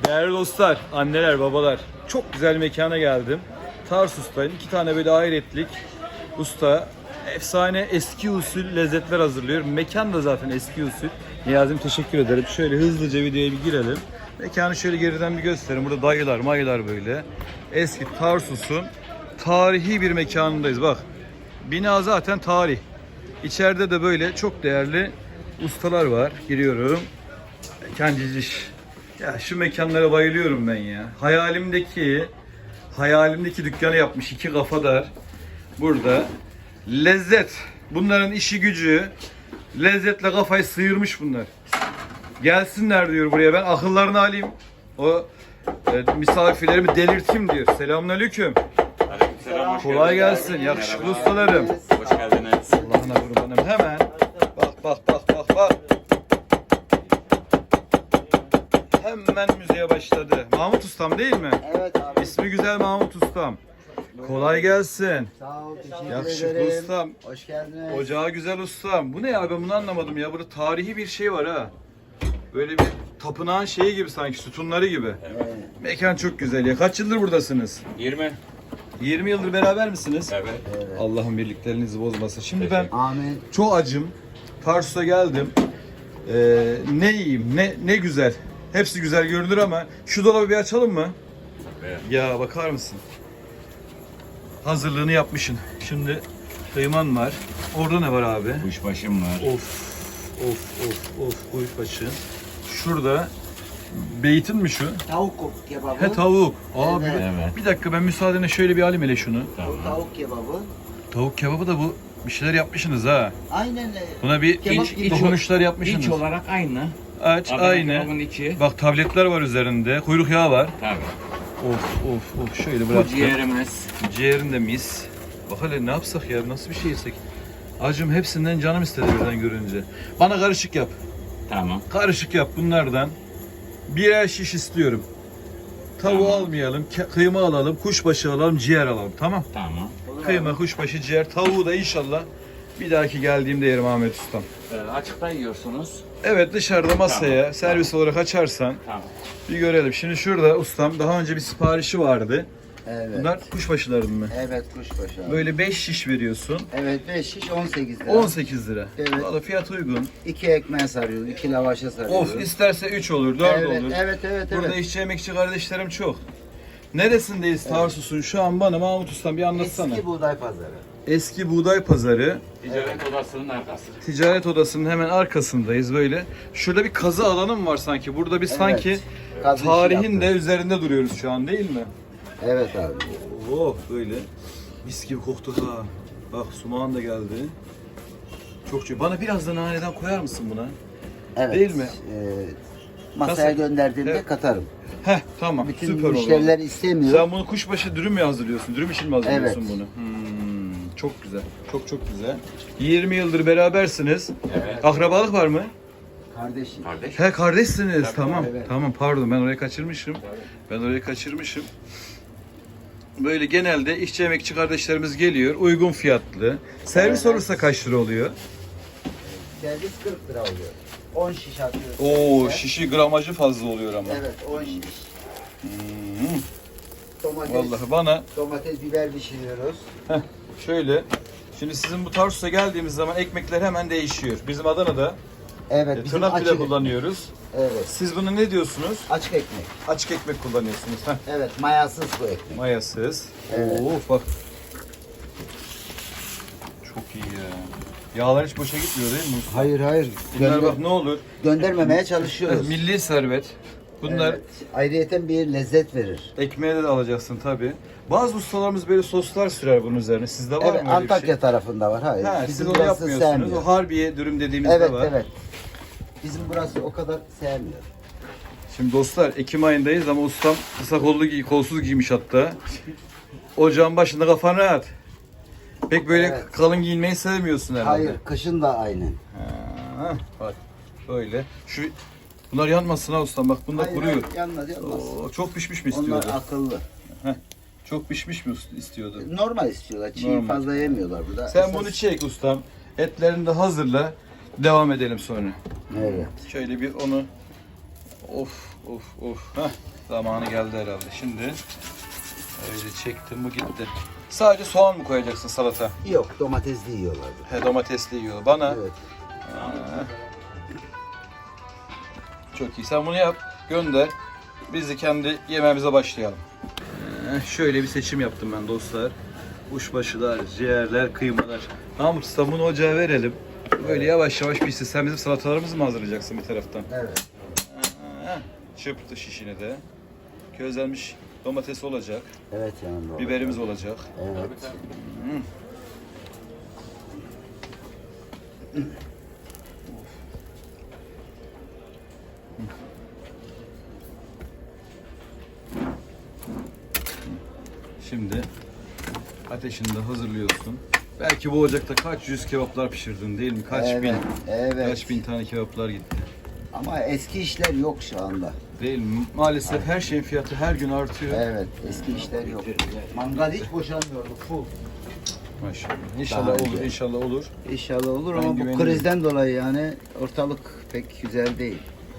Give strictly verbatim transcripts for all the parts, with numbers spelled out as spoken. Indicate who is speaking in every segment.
Speaker 1: Değerli dostlar, anneler, babalar, çok güzel mekana geldim. Tarsus'tayım. İki tane böyle hayretlik usta, efsane eski usul lezzetler hazırlıyor. Mekan da zaten eski usul. Niyazim teşekkür ederim. Şöyle hızlıca videoya bir girelim. Mekanı şöyle geriden bir gösterin. Burada dayılar, mayılar böyle. Eski Tarsus'un tarihi bir mekanındayız. Bak, bina zaten tarih. İçeride de böyle çok değerli ustalar var. Giriyorum. Kenciş. Ya şu mekanlara bayılıyorum ben ya. Hayalimdeki hayalimdeki dükkanı yapmış iki kafadar. Burada lezzet. Bunların işi gücü lezzetle kafayı sıyırmış bunlar. Gelsinler diyor buraya, ben akıllarını alayım. O e, misafirlerimi delirteyim diyor. Selamünaleyküm.
Speaker 2: Aleykümselam.
Speaker 1: Kolay gelsin. Yakışıklı ustalarım.
Speaker 2: Hoş geldiniz.
Speaker 1: Allah'ına kurbanım. Hemen bak bak bak bak bak. Hemen müziğe başladı. Mahmut Ustam değil mi?
Speaker 3: Evet abi.
Speaker 1: İsmi güzel Mahmut Ustam. Kolay gelsin.
Speaker 3: Sağ ol, teşekkür
Speaker 1: Yakışıklı
Speaker 3: ederim.
Speaker 1: ustam.
Speaker 3: Hoş geldiniz.
Speaker 1: Ocağı güzel ustam. Bu ne ya, ben bunu anlamadım ya. Burada tarihi bir şey var ha. Böyle bir tapınağın şeyi gibi sanki, sütunları gibi.
Speaker 3: Evet.
Speaker 1: Mekan çok güzel ya. Kaç yıldır buradasınız?
Speaker 2: yirmi.
Speaker 1: yirmi yıldır beraber misiniz?
Speaker 2: Evet.
Speaker 3: Evet.
Speaker 1: Allah'ın birliklerinizi bozmasın. Şimdi ben
Speaker 3: Amin.
Speaker 1: çok acım. Tarsus'a geldim. Ee, ne yiyeyim, ne ne güzel. Hepsi güzel görünür ama şu dolabı bir açalım mı?
Speaker 2: Evet.
Speaker 1: Ya bakar mısın? Hazırlığını yapmışsın. Şimdi kıyman var. Orada ne var abi?
Speaker 2: Kuşbaşım var.
Speaker 1: Of, of, of, of, kuyuşbaşı. Şurada beytin mi şu?
Speaker 3: Tavuk kebabı.
Speaker 1: He, tavuk. Abi
Speaker 3: Evet.
Speaker 2: Evet.
Speaker 1: bir dakika, ben müsaadenle şöyle bir alayım hele şunu.
Speaker 3: Bu
Speaker 2: Tamam.
Speaker 3: tavuk kebabı.
Speaker 1: Tavuk kebabı da bu bir şeyler yapmışsınız ha.
Speaker 3: Aynen. e,
Speaker 1: Buna bir
Speaker 3: Kebap
Speaker 1: iç,
Speaker 3: gibi.
Speaker 1: dokunuşlar yapmışsınız.
Speaker 2: İç olarak aynı.
Speaker 1: Aç,
Speaker 2: Adana
Speaker 1: aynı.
Speaker 2: kebabın içi.
Speaker 1: Bak, tabletler var üzerinde. Kuyruk yağı var.
Speaker 2: Tabii.
Speaker 1: Of of of, şöyle
Speaker 2: Bu
Speaker 1: bıraktım.
Speaker 2: ciğerimiz.
Speaker 1: Ciğerin de mis. Bak hele ne yapsak ya, nasıl bir şey yesek. Acım hepsinden canım istedi birden görünce. Bana karışık yap.
Speaker 2: Tamam.
Speaker 1: Karışık yap bunlardan. Birer şiş istiyorum. Tavuğu
Speaker 2: Tamam.
Speaker 1: almayalım, ke- kıyma alalım, kuşbaşı alalım, ciğer alalım. Tamam.
Speaker 2: Tamam.
Speaker 1: Kıyma, kuşbaşı, ciğer, tavuğu da inşallah bir dahaki geldiğimde yerim Ahmet Ustam.
Speaker 2: Ee, açıkta yiyorsunuz.
Speaker 1: Evet, dışarıda masaya
Speaker 2: Tamam,
Speaker 1: servis
Speaker 2: tamam.
Speaker 1: olarak açarsan
Speaker 2: Tamam.
Speaker 1: bir görelim. Şimdi şurada ustam daha önce bir siparişi vardı.
Speaker 3: Evet.
Speaker 1: Bunlar kuşbaşıların mı?
Speaker 3: Evet, kuşbaşı abi.
Speaker 1: Böyle beş şiş veriyorsun.
Speaker 3: Evet, beş şiş on sekiz lira.
Speaker 1: on sekiz lira.
Speaker 3: Evet.
Speaker 1: Valla fiyat uygun.
Speaker 3: İki ekmeğe sarıyoruz, iki lavaşa sarıyoruz.
Speaker 1: Of, isterse üç olur, dört
Speaker 3: Evet,
Speaker 1: olur.
Speaker 3: evet, evet,
Speaker 1: Burada
Speaker 3: evet.
Speaker 1: işçi emekçi kardeşlerim çok. Neresindeyiz Tarsus'un? Şu an bana Mahmut Ustam bir anlatsana.
Speaker 3: Eski buğday pazarı.
Speaker 1: Eski Buğday Pazarı.
Speaker 2: Ticaret odasının arkası.
Speaker 1: Ticaret odasının hemen arkasındayız böyle. Şurada bir kazı alanı mı var sanki? Burada bir sanki
Speaker 3: Evet. Kazı işi
Speaker 1: tarihin de
Speaker 3: yaptık.
Speaker 1: üzerinde duruyoruz şu an, değil mi?
Speaker 3: Evet abi.
Speaker 1: Oh, böyle mis gibi koktu ha. Bak, sumağın da geldi. Çok çok. Bana biraz da naneden koyar mısın buna?
Speaker 3: Evet.
Speaker 1: Değil mi?
Speaker 3: Ee, masaya
Speaker 1: Nasıl?
Speaker 3: gönderdiğimde
Speaker 1: Evet.
Speaker 3: katarım.
Speaker 1: Heh, tamam,
Speaker 3: Bütün
Speaker 1: süper oldu.
Speaker 3: müşteriler istemiyor.
Speaker 1: Sen bunu kuşbaşı dürüm mü hazırlıyorsun? Dürüm için mi hazırlıyorsun
Speaker 3: Evet.
Speaker 1: bunu? Hmm, çok güzel. Çok çok güzel. yirmi yıldır berabersiniz.
Speaker 2: Evet.
Speaker 1: Akrabalık var mı?
Speaker 3: Kardeşim.
Speaker 2: Kardeş.
Speaker 1: He, kardeşsiniz.
Speaker 2: Tabii,
Speaker 1: tamam.
Speaker 3: evet.
Speaker 1: Tamam, pardon, ben orayı kaçırmışım. Ben orayı kaçırmışım. Böyle genelde işçi emekçi kardeşlerimiz geliyor. Uygun fiyatlı. Servis
Speaker 3: Evet.
Speaker 1: olursa kaç lira oluyor?
Speaker 3: Servis kırk lira oluyor. on şiş atıyoruz.
Speaker 1: Oo,
Speaker 3: Evet.
Speaker 1: şişi gramajı fazla oluyor ama.
Speaker 3: Evet, on şiş.
Speaker 1: Hmm,
Speaker 3: Domates,
Speaker 1: vallahi bana
Speaker 3: domates, biber pişiriyoruz.
Speaker 1: şöyle. Şimdi sizin bu Tarsus'a geldiğimiz zaman ekmekler hemen değişiyor. Bizim Adana'da
Speaker 3: Evet,
Speaker 1: e,
Speaker 3: bizim
Speaker 1: tırnak bile
Speaker 3: açık,
Speaker 1: kullanıyoruz.
Speaker 3: evet,
Speaker 1: Siz bunu ne diyorsunuz?
Speaker 3: açık ekmek.
Speaker 1: Açık ekmek kullanıyorsunuz. Heh.
Speaker 3: Evet, mayasız bu ekmek.
Speaker 1: Mayasız.
Speaker 3: Evet.
Speaker 1: Oo, bak. Çok iyi ya. Yağlar hiç boşa gitmiyor değil mi?
Speaker 3: Hayır, hayır.
Speaker 1: Bunlar
Speaker 3: Gönder-
Speaker 1: bak ne olur.
Speaker 3: göndermemeye çalışıyoruz.
Speaker 1: Milli servet. Bunlar
Speaker 3: Evet, ayrıyeten bir lezzet verir.
Speaker 1: ekmeğe de alacaksın tabi. Bazı ustalarımız böyle soslar sürer bunun üzerine. Sizde var
Speaker 3: Evet,
Speaker 1: mı öyle
Speaker 3: Antakya
Speaker 1: bir şey?
Speaker 3: tarafında var. Hayır,
Speaker 1: Ha, siz
Speaker 3: bizim
Speaker 1: onu
Speaker 3: burası
Speaker 1: yapmıyorsunuz.
Speaker 3: sevmiyor.
Speaker 1: O harbiye dürüm dediğimizde
Speaker 3: Evet,
Speaker 1: var.
Speaker 3: evet. Bizim burası o kadar sevmiyor.
Speaker 1: Şimdi dostlar, Ekim ayındayız ama ustam kısa kollu giy, kolsuz giymiş hatta. Ocağın başında kafan rahat. Pek böyle
Speaker 3: Evet.
Speaker 1: kalın giyinmeyi sevmiyorsun herhalde.
Speaker 3: Hayır, kışın da aynı.
Speaker 1: Ha, bak böyle. Şu bunlar yanmasın ha ustam, bak bunlar
Speaker 3: Hayır,
Speaker 1: kuruyor.
Speaker 3: hayır, yanmaz, yanmaz.
Speaker 1: Oo, çok pişmiş mi
Speaker 3: Onlar
Speaker 1: istiyordu?
Speaker 3: akıllı.
Speaker 1: Çok pişmiş mi istiyordu?
Speaker 3: Normal istiyorlar. Çiğ
Speaker 1: Normal.
Speaker 3: fazla yemiyorlar burada.
Speaker 1: Sen
Speaker 3: Esas-
Speaker 1: bunu çek ustam. Etlerini de hazırla. Devam edelim sonra.
Speaker 3: Evet.
Speaker 1: Şöyle bir onu, of of of. Heh, zamanı geldi herhalde. Şimdi öyle çektim bu gitti. Sadece soğan mı koyacaksın salata?
Speaker 3: Yok, domatesli yiyorlar.
Speaker 1: He, domatesli yiyor. Bana
Speaker 3: Evet.
Speaker 1: Ha. Çok iyi. Sen bunu yap, gönder. Biz de kendi yemeğimize başlayalım. Ee, şöyle bir seçim yaptım ben dostlar. Kuşbaşılar, ciğerler, kıymalar. Mahmut Usta bunu ocağa verelim. Böyle yavaş yavaş pişsin. Sen bizim salatalarımızı mı hazırlayacaksın bir taraftan?
Speaker 3: Evet.
Speaker 1: Ee, çırptı şişini de. Közlenmiş domates olacak.
Speaker 3: Evet yanında.
Speaker 1: Biberimiz olacak.
Speaker 3: Evet.
Speaker 1: Şimdi ateşini de hazırlıyorsun. Belki bu ocakta kaç yüz kebaplar pişirdin değil mi? Kaç
Speaker 3: Evet,
Speaker 1: bin,
Speaker 3: evet.
Speaker 1: kaç bin tane kebaplar gitti.
Speaker 3: Ama eski işler yok şu anda.
Speaker 1: Değil mi? Maalesef her şeyin fiyatı her gün artıyor.
Speaker 3: Evet, eski işler yok. Mangal hiç boşalmıyordu, full.
Speaker 1: Maşallah. İnşallah
Speaker 3: Daha
Speaker 1: olur,
Speaker 3: önce.
Speaker 1: inşallah olur.
Speaker 3: İnşallah olur
Speaker 1: Ben
Speaker 3: ama bu
Speaker 1: güveniyorum.
Speaker 3: krizden dolayı yani ortalık pek güzel değil.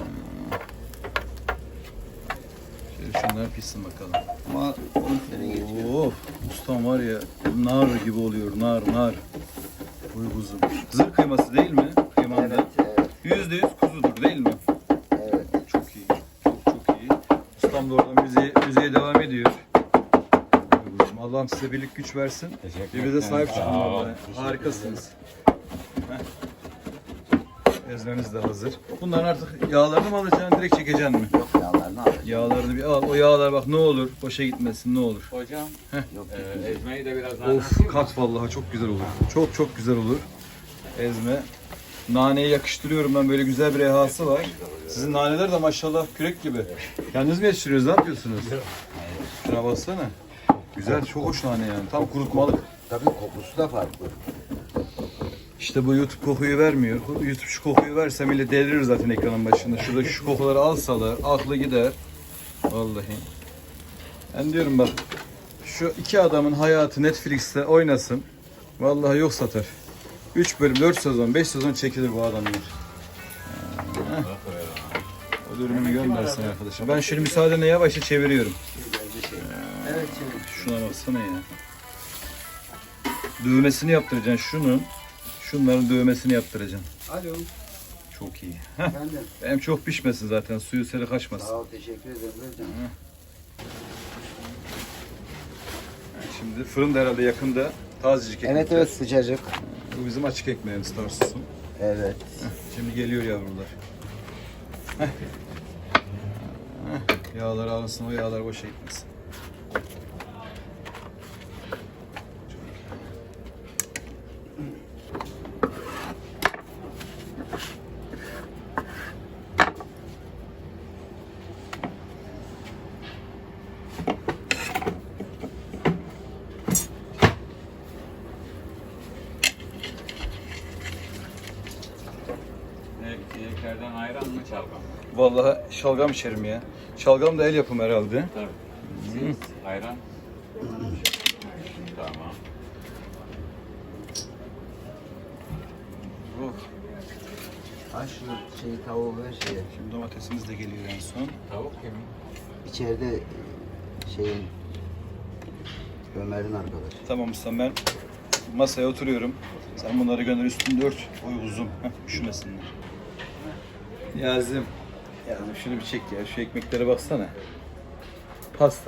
Speaker 1: Şöyle şunlar pişsin bakalım.
Speaker 3: Ama on sene geçiyor.
Speaker 1: Of, ustam var ya, nar gibi oluyor, nar, nar. Uy kuzum. Zırh kıyması değil mi? Kıymanda.
Speaker 3: Evet, evet,
Speaker 1: Yüzde yüz kuzudur değil mi?
Speaker 3: evet.
Speaker 1: Çok iyi, çok çok iyi. Ustam da oradan müziğe, müziğe devam ediyor. Uy kuzum, Allah'ım size birlik güç versin.
Speaker 2: Teşekkür
Speaker 1: Birbirinize
Speaker 2: ederim.
Speaker 1: sahip çıkın
Speaker 2: Sağ ol.
Speaker 1: vallahi. Harikasınız. Heh. Ezmemiz de hazır. Bunların artık yağlarını mı alacaksın, direkt çekeceksin mi?
Speaker 3: Yok yağlarını alacağım.
Speaker 1: Yağlarını bir al. O yağlar bak ne olur, boşa gitmesin ne olur.
Speaker 2: Hocam
Speaker 3: Yok,
Speaker 2: e, ezmeyi de biraz daha
Speaker 1: Of kat vallahi çok güzel olur. Çok çok güzel olur. Ezme. Naneyi yakıştırıyorum ben, böyle güzel bir rehası var. Sizin naneler de maşallah kürek gibi. Kendiniz mi yetiştiriyorsunuz, ne yapıyorsunuz? Şuna baksana. Güzel, çok hoş nane yani. Tam kurutmalık.
Speaker 3: tabii kokusu da farklı.
Speaker 1: İşte bu YouTube kokuyu vermiyor. YouTube şu kokuyu verse millet delirir zaten ekranın başında. Şurada şu kokuları alsalar aklı gider. Vallahi. Ben diyorum bak, şu iki adamın hayatı Netflix'te oynasın. Vallahi yok satar. üç bölüm, dört sezon, beş sezon çekilir bu adamlar. Ha. O dürümünü göndersin arkadaşım. Ben şöyle müsaadenle yavaşça çeviriyorum.
Speaker 3: Evet şimdi.
Speaker 1: Şuna baksana ya. Dövmesini yaptıracaksın şunun. Şunların dövmesini yaptıracaksın.
Speaker 3: Alo.
Speaker 1: Çok iyi.
Speaker 3: Efendim.
Speaker 1: Hem çok pişmesin zaten, suyu seri kaçmasın.
Speaker 3: Sağ ol, teşekkür ederim hocam.
Speaker 1: Şimdi fırın da herhalde yakında, tazecik ekmek.
Speaker 3: Evet evet sıcacık.
Speaker 1: Bu bizim açık ekmeğimiz Tarsus'un.
Speaker 3: Evet.
Speaker 1: Şimdi geliyor yavrular. Heh. Heh. Yağlar alınsın, o yağlar boşa gitmesin.
Speaker 2: Yeklerden ayran mı çalgam mı?
Speaker 1: Vallahi şalgam içerim ya. Şalgam da el yapımı herhalde.
Speaker 2: Tabii. Ayran. Tamam.
Speaker 1: Oh.
Speaker 3: Ha şu şey tavuğu ver şeye.
Speaker 1: Şimdi domatesimiz de geliyor en son.
Speaker 2: Tavuk yemin.
Speaker 3: İçeride e, şeyin Ömer'in arkadaşı.
Speaker 1: Tamam ustam, ben masaya oturuyorum. Sen bunları gönder, üstünde ört. Oy uzun. Heh, üşümesinler. Yazım. Yazım şunu bir çek ya. Şu ekmeklere baksana. Pasta.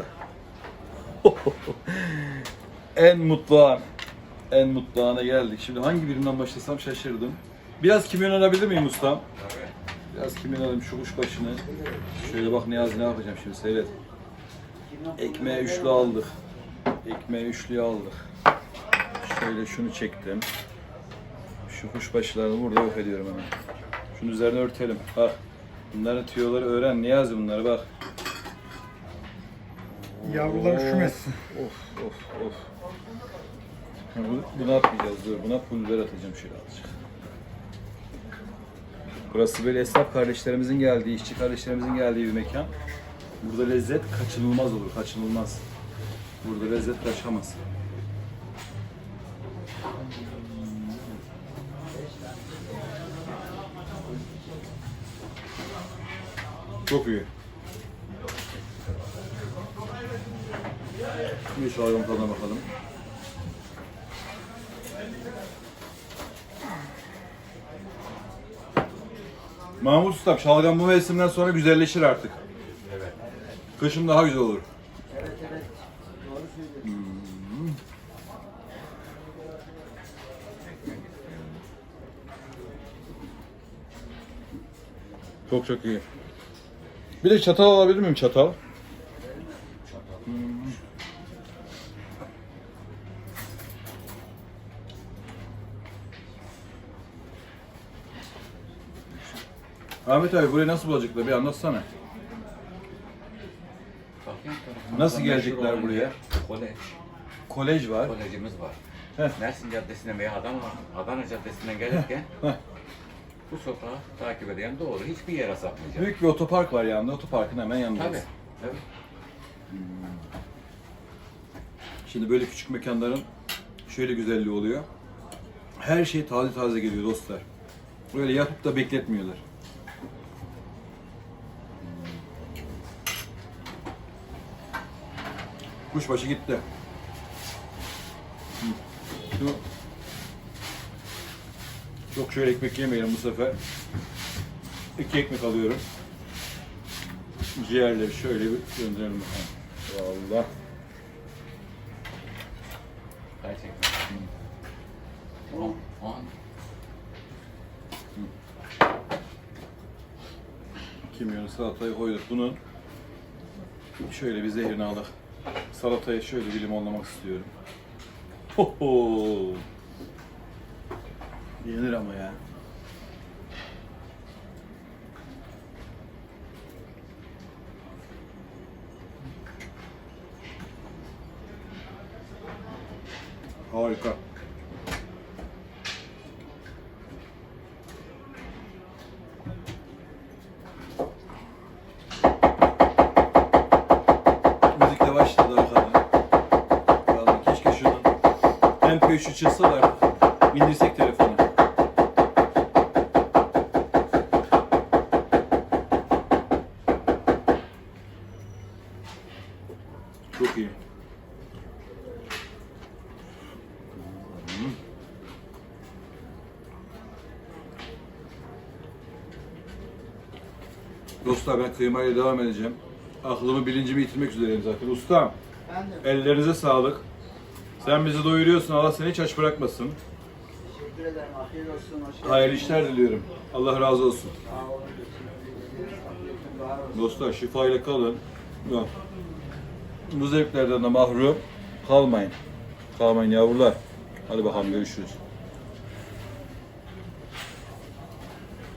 Speaker 1: En mutlu an. En mutlu ana geldik. Şimdi hangi birinden başlasam şaşırdım. Biraz kimyon alabilir miyim ustam? Biraz kimyon alayım şu kuşbaşını. Şöyle bak Niyazi, ne yapacağım şimdi, seyret. Ekmeğe üçlü aldık. Ekmeği üçlüye aldık. Şöyle şunu çektim. Şu kuşbaşılarını burada yok ediyorum hemen. Şunun üzerine örtelim. Bak. Bunların tüyoları öğren. Niyazi bunları bak.
Speaker 4: Yavrular üşümesin.
Speaker 1: Of of of. Ha, bu- Bunu atmayacağız, dur. Buna pul biber atacağım şöyle azıcık. Burası böyle esnaf kardeşlerimizin geldiği, işçi kardeşlerimizin geldiği bir mekan. Burada lezzet kaçınılmaz olur, kaçınılmaz. Burada lezzet kaçamaz. Çok iyi. Bir şalgam tadına bakalım. Mahmut Usta, şalgam bu mevsimden sonra güzelleşir artık.
Speaker 2: Evet.
Speaker 1: Kışın daha güzel olur.
Speaker 3: Evet evet. Doğru söylüyorsun.
Speaker 1: Çok çok iyi. Bir de çatal alabilir miyim, çatal? Ahmet abi burayı nasıl bulacaklar bir anlatsana.
Speaker 2: Bakayım tarafımızda
Speaker 1: Nasıl
Speaker 2: meşhur
Speaker 1: gelecekler
Speaker 2: olan
Speaker 1: buraya?
Speaker 2: yer Kolej.
Speaker 1: Kolej var.
Speaker 2: Kolejimiz var.
Speaker 1: Heh.
Speaker 2: Mersin Caddesi'nden veya Adana, Adana Caddesi'nden gelirken
Speaker 1: Heh.
Speaker 2: bu sokağı takip eden doğru. Hiçbir yere sapmayacak.
Speaker 1: Büyük bir otopark var yanında. Otoparkın hemen yanında.
Speaker 2: Tabii. Tabii.
Speaker 1: Şimdi böyle küçük mekanların şöyle güzelliği oluyor. Her şey taze taze geliyor dostlar. Böyle yapıp da bekletmiyorlar. Kuşbaşı gitti. Hı. Şu çok şöyle ekmek yemeyelim bu sefer. İki ekmek alıyorum. Ciğerleri şöyle bir gönderelim bakalım. Vallahi.
Speaker 2: Gerçekten. On, on.
Speaker 1: Kimyonu salatayı koyduk. Bunu şöyle bir zehrini aldık. Salatayı şöyle bir limonlamak istiyorum. Ho ho. Yenir ama ya. Harika. Müzikle başladı arkada. Vallahi keşke şunun M P üçü çıksa da artık indirsek telefonu. Çok iyi. Dostlar ben kıymayla devam edeceğim. Aklımı bilincimi yitirmek üzereyim zaten. Ustam,
Speaker 3: Ben de
Speaker 1: ellerinize sağlık. Sen bizi doyuruyorsun. Allah seni hiç aç bırakmasın.
Speaker 3: teşekkür ederim. Afiyet olsun. Hoş geldin.
Speaker 1: Hayırlı işler diliyorum. Allah razı olsun.
Speaker 3: Sağ olun. Teşekkür ederiz. Afiyetin bahar olsun.
Speaker 1: Dostlar şifayla kalın. Yok. Bu zevklerden de mahrum kalmayın. Kalmayın yavrular. Hadi bakalım görüşürüz.